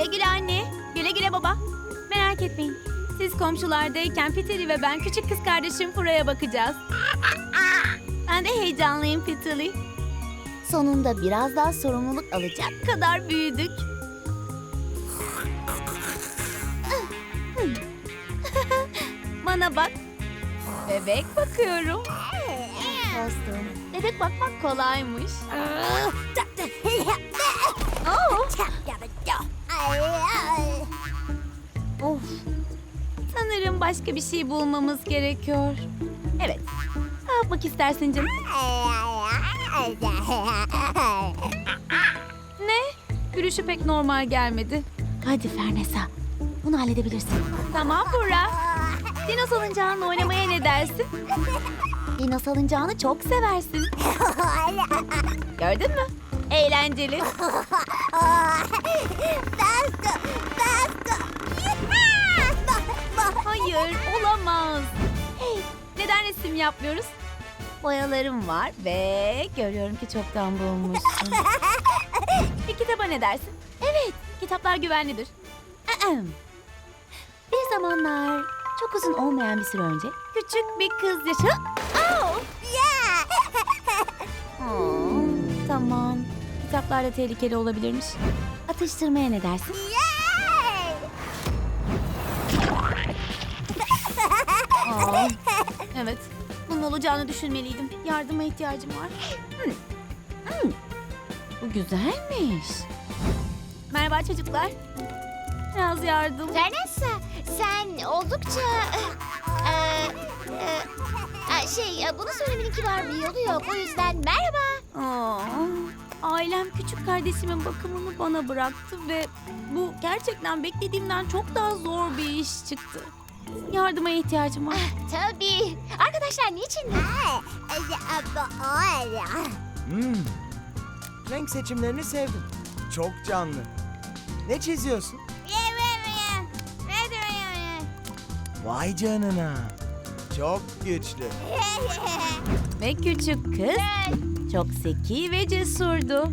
Güle güle anne. Güle güle baba. Merak etmeyin. Siz komşulardayken Peteri ve ben küçük kız kardeşim Fura'ya bakacağız. Ben de heyecanlıyım Peteri. Sonunda biraz daha sorumluluk alacak kadar büyüdük. Bana bak. Bebek bakıyorum. Dostum, bebek bakmak kolaymış. Oh. Of. Sanırım başka bir şey bulmamız gerekiyor. Evet. Ne yapmak istersin canım? Ne? Gülüşü pek normal gelmedi. Hadi Fernesa. Bunu halledebilirsin. Tamam Burra. Dino salıncağınla oynamaya ne dersin? Dino salıncağını çok seversin. Gördün mü? Eğlenceli. Hayır, olamaz. Hey, neden resim yapmıyoruz? Boyalarım var ve görüyorum ki çoktan bulmuşsun. Bir kitaba ne dersin? Evet, kitaplar güvenlidir. Bir zamanlar çok uzun olmayan bir süre önce küçük bir kız yaşa... Tamam. Kitaplar da tehlikeli olabilirmiş. Atıştırmaya ne dersin? Evet. Bunun olacağını düşünmeliydim. Yardıma ihtiyacım var. Bu güzelmiş. Merhaba çocuklar. Biraz yardım. Vanessa, sen oldukça... bunu söylemenin kibar bir yolu yok. O yüzden merhaba. Ailem küçük kardeşimin bakımını bana bıraktı ve bu gerçekten beklediğimden çok daha zor bir iş çıktı. Yardıma ihtiyacım var. Tabii. Arkadaşlar niçin? Renk seçimlerini sevdim. Çok canlı. Ne çiziyorsun? Vay canına. Çok güçlü. Ve küçük kız çok zeki ve cesurdu.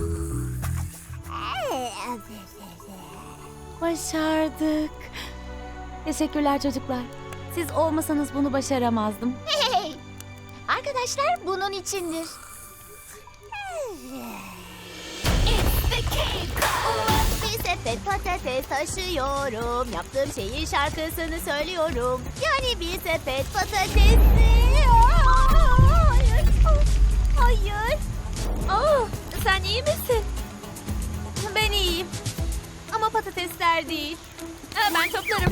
Başardık. Teşekkürler çocuklar. Siz olmasanız bunu başaramazdım. Hey! Arkadaşlar bunun içindir. Bir sepet patates taşıyorum. Yaptığım şeyin şarkısını söylüyorum. Yani bir sepet patates. Hayır. Hayır. Oh, sen iyi misin? Ben iyiyim. Ama patatesler değil. Ben toplarım.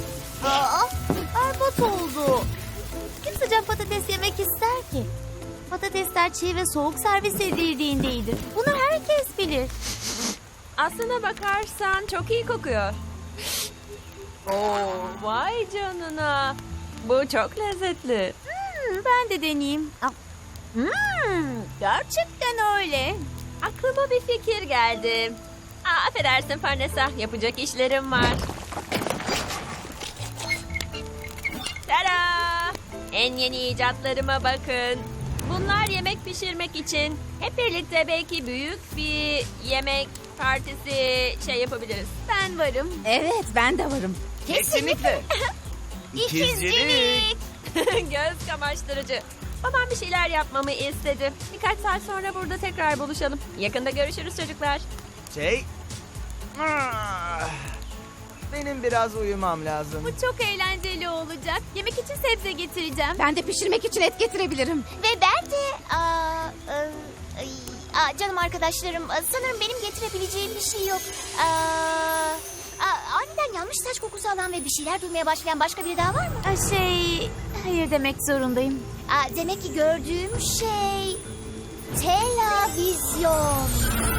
Berbat oldu. Kim sıcak patates yemek ister ki? Patatesler çiğ ve soğuk servis edildiğindeydi. Bunu herkes bilir. Aslına bakarsan çok iyi kokuyor. Oo, vay canına. Bu çok lezzetli. Ben de deneyeyim. Gerçekten öyle. Aklıma bir fikir geldi. Affedersin Farnesa, yapacak işlerim var. Tada! En yeni icatlarıma bakın. Bunlar yemek pişirmek için. Hep birlikte belki büyük bir yemek partisi yapabiliriz. Ben varım. Evet, ben de varım. Kesinlikle. İkizcilik. Göz kamaştırıcı. Babam bir şeyler yapmamı istedi. Birkaç saat sonra burada tekrar buluşalım. Yakında görüşürüz çocuklar. Benim biraz uyumam lazım. Bu çok eğlenceli olacak. Yemek için sebze getireceğim. Ben de pişirmek için et getirebilirim. Ve ben de... canım arkadaşlarım, sanırım benim getirebileceğim bir şey yok. Aniden yanlış saç kokusu alan ve bir şeyler duymaya başlayan başka biri daha var mı? Hayır demek zorundayım. Demek ki gördüğüm şey... televizyon.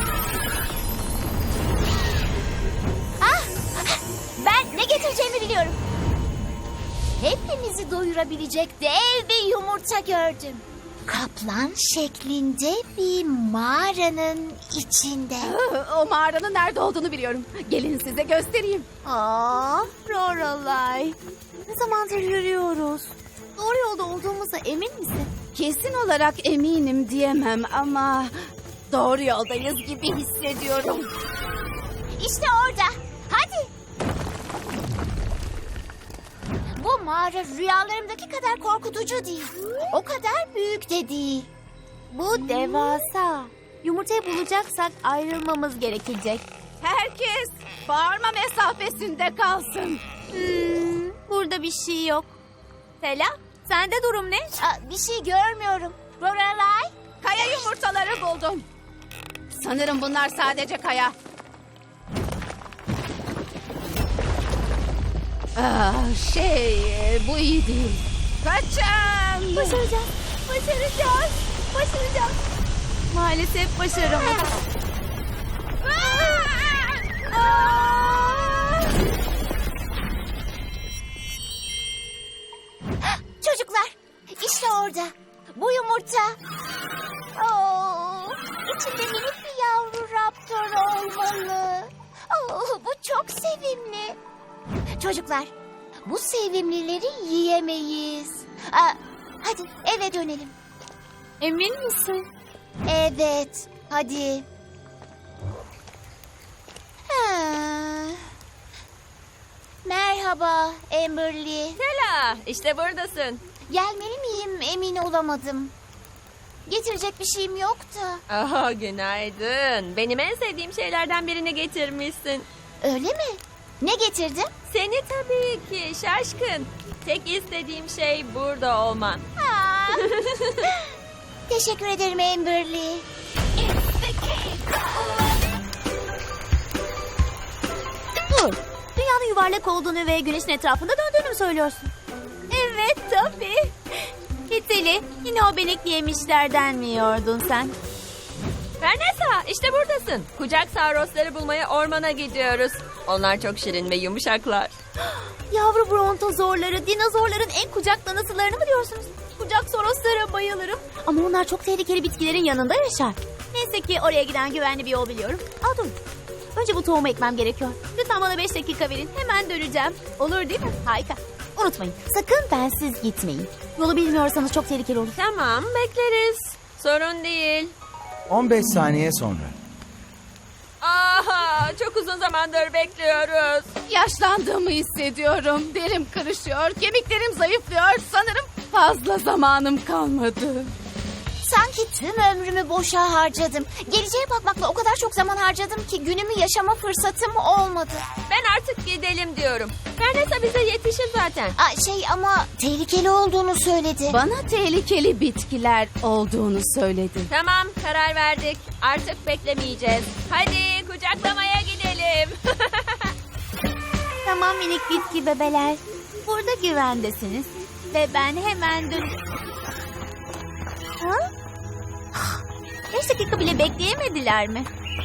Ben ne getireceğimi biliyorum. Hepimizi doyurabilecek dev bir yumurta gördüm. Kaplan şeklinde bir mağaranın içinde. O mağaranın nerede olduğunu biliyorum. Gelin size göstereyim. Lorelai. Ne zamandır yürüyoruz? Doğru yolda olduğumuza emin misin? Kesin olarak eminim diyemem ama doğru yoldayız gibi hissediyorum. İşte orada. mağara rüyalarımdaki kadar korkutucu değil. O kadar büyük de değil. Bu devasa. Yumurtayı bulacaksak ayrılmamız gerekecek. Herkes bağırma mesafesinde kalsın. Burada bir şey yok. Sela, sende durum ne? Bir şey görmüyorum. Lorelai, Kaya yumurtaları buldum. Sanırım bunlar sadece kaya. Bu iyi değil. Kaçın. Başaracağız. Başaracağız. Başaracağız. Maalesef başaramadık. çocuklar, işte orada. Bu yumurta. İçinde minik bir yavru raptor olmalı. Bu çok sevimli. Çocuklar, bu sevimlileri yiyemeyiz. Hadi eve dönelim. Emin misin? Evet, hadi. Merhaba Amberly. Sela, işte buradasın. Gelmeli miyim emin olamadım. Getirecek bir şeyim yok da. Aha, günaydın. Benim en sevdiğim şeylerden birini getirmişsin. Öyle mi? Ne getirdin? Seni tabii ki şaşkın. Tek istediğim şey burada olman. Teşekkür ederim Amberly. Dur. Dünyanın yuvarlak olduğunu ve güneşin etrafında döndüğünü mü söylüyorsun? Evet tabii. Hiteli, yine o benekli yemişlerden mi yiyordun sen? Fernesa, işte buradasın. Kucak sarosları bulmaya ormana gidiyoruz. Onlar çok şirin ve yumuşaklar. Yavru brontozorları, dinozorların en kucaklanısılarını mı diyorsunuz? Kucak soroslara bayılırım. Ama onlar çok tehlikeli bitkilerin yanında yaşar. Neyse ki oraya giden güvenli bir yol biliyorum. Dur. Önce bu tohumu ekmem gerekiyor. Lütfen bana 5 dakika verin. Hemen döneceğim. Olur değil mi? Harika. Unutmayın. Sakın bensiz gitmeyin. Yolu bilmiyorsanız çok tehlikeli olur. Tamam, bekleriz. Sorun değil. 15 saniye sonra. Aha, çok uzun zamandır bekliyoruz. Yaşlandığımı hissediyorum. Derim kırışıyor, kemiklerim zayıflıyor. Sanırım fazla zamanım kalmadı. Sanki tüm ömrümü boşa harcadım. Geleceğe bakmakla o kadar çok zaman harcadım ki günümü yaşama fırsatım olmadı. Ben artık gidelim diyorum. Fernesa bize yetişir zaten. Ama tehlikeli olduğunu söyledi. Bana tehlikeli bitkiler olduğunu söyledi. Tamam, karar verdik. Artık beklemeyeceğiz. Hadi kucaklamaya gidelim. Tamam minik bitki bebeler. Burada güvendesiniz. Ve ben hemen dön... Ha? 5 dakika bile bekleyemediler mi?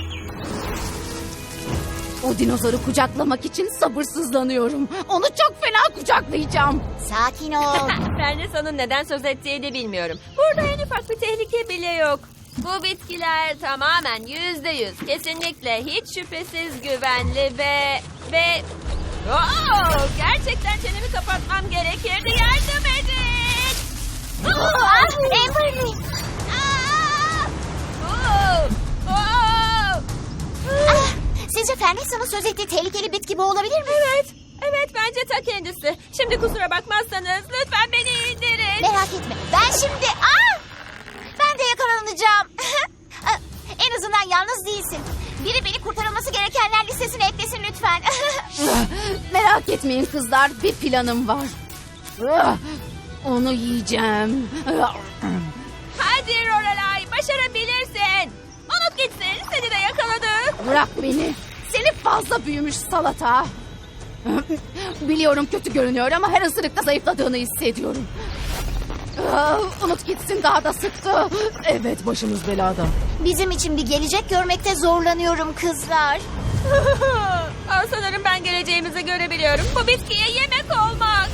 O dinozoru kucaklamak için sabırsızlanıyorum. Onu çok fena kucaklayacağım. Sakin ol. Fernesa'nın neden söz ettiğini bilmiyorum. Burada en ufak bir tehlike bile yok. Bu bitkiler tamamen %100, kesinlikle hiç şüphesiz güvenli ve... gerçekten çenemi kapatmam gerekirdi. Yardım edin! Amberly. Sizce Fernesa'nın söz ettiği tehlikeli bitki bu olabilir mi? Evet, bence ta kendisi. Şimdi kusura bakmazsanız lütfen beni indirin. Merak etme. Ben şimdi... Ben de yakalanacağım. En azından yalnız değilsin. Biri beni kurtarılması gerekenler listesine eklesin lütfen. Merak etmeyin kızlar, bir planım var. Onu yiyeceğim. Hadi Lorelai, başarabilirsin. Unut gitsin, seni de yakaladık. Bırak beni. Seni fazla büyümüş salata. Biliyorum kötü görünüyor ama her ısırıkta zayıfladığını hissediyorum. Unut gitsin, daha da sıktı. Evet, başımız belada. Bizim için bir gelecek görmekte zorlanıyorum kızlar. Sanırım ben geleceğimizi görebiliyorum. Bu bitkiye yemek olmak.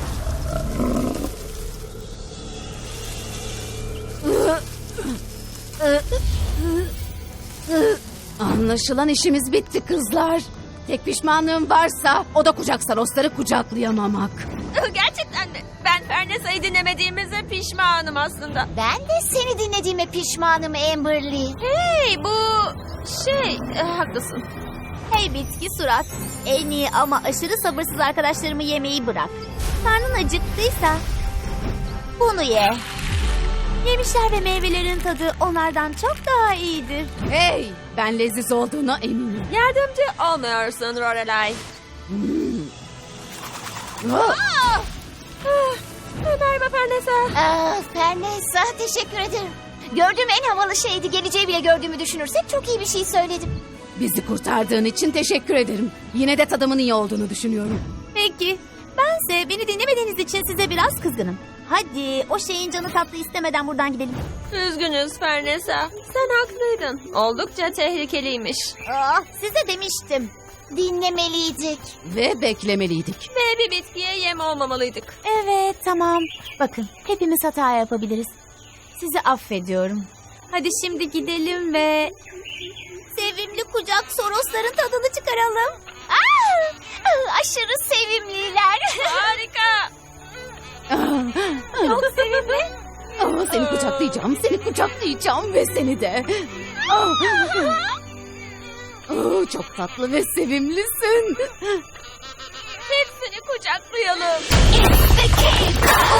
Anlaşılan işimiz bitti kızlar. Tek pişmanlığım varsa o da kucak sarosları kucaklayamamak. Gerçekten mi? Ben Fernesa'yı dinlemediğimize pişmanım aslında. Ben de seni dinlediğime pişmanım Amberly. Hey, bu haklısın. Hey bitki surat. En iyi ama aşırı sabırsız arkadaşlarımı yemeyi bırak. Karnın acıktıysa bunu ye. Yemişler ve meyvelerin tadı onlardan çok daha iyidir. Hey, ben leziz olduğuna eminim. Yardımcı olmuyorsun Lorelai. Merhaba Fernesa. Fernesa, teşekkür ederim. Gördüğüm en havalı şeydi. Geleceği bile gördüğümü düşünürsek çok iyi bir şey söyledim. Bizi kurtardığın için teşekkür ederim. Yine de tadımın iyi olduğunu düşünüyorum. Peki. Bense beni dinlemediğiniz için size biraz kızgınım. Hadi o şeyin canı tatlı istemeden buradan gidelim. Üzgünüz Fernesa. Sen haklıydın. Oldukça tehlikeliymiş. Size demiştim. Dinlemeliydik. Ve beklemeliydik. Ve bir bitkiye yem olmamalıydık. Evet tamam. Bakın hepimiz hata yapabiliriz. Sizi affediyorum. Hadi şimdi gidelim ve sevimli kucak sorosların tadını çıkaralım. Aşırı sevimliler. Harika. Çok sevimli. Seni kucaklayacağım ve seni de. Çok tatlı ve sevimlisin. Hepsini kucaklayalım. It's the cave.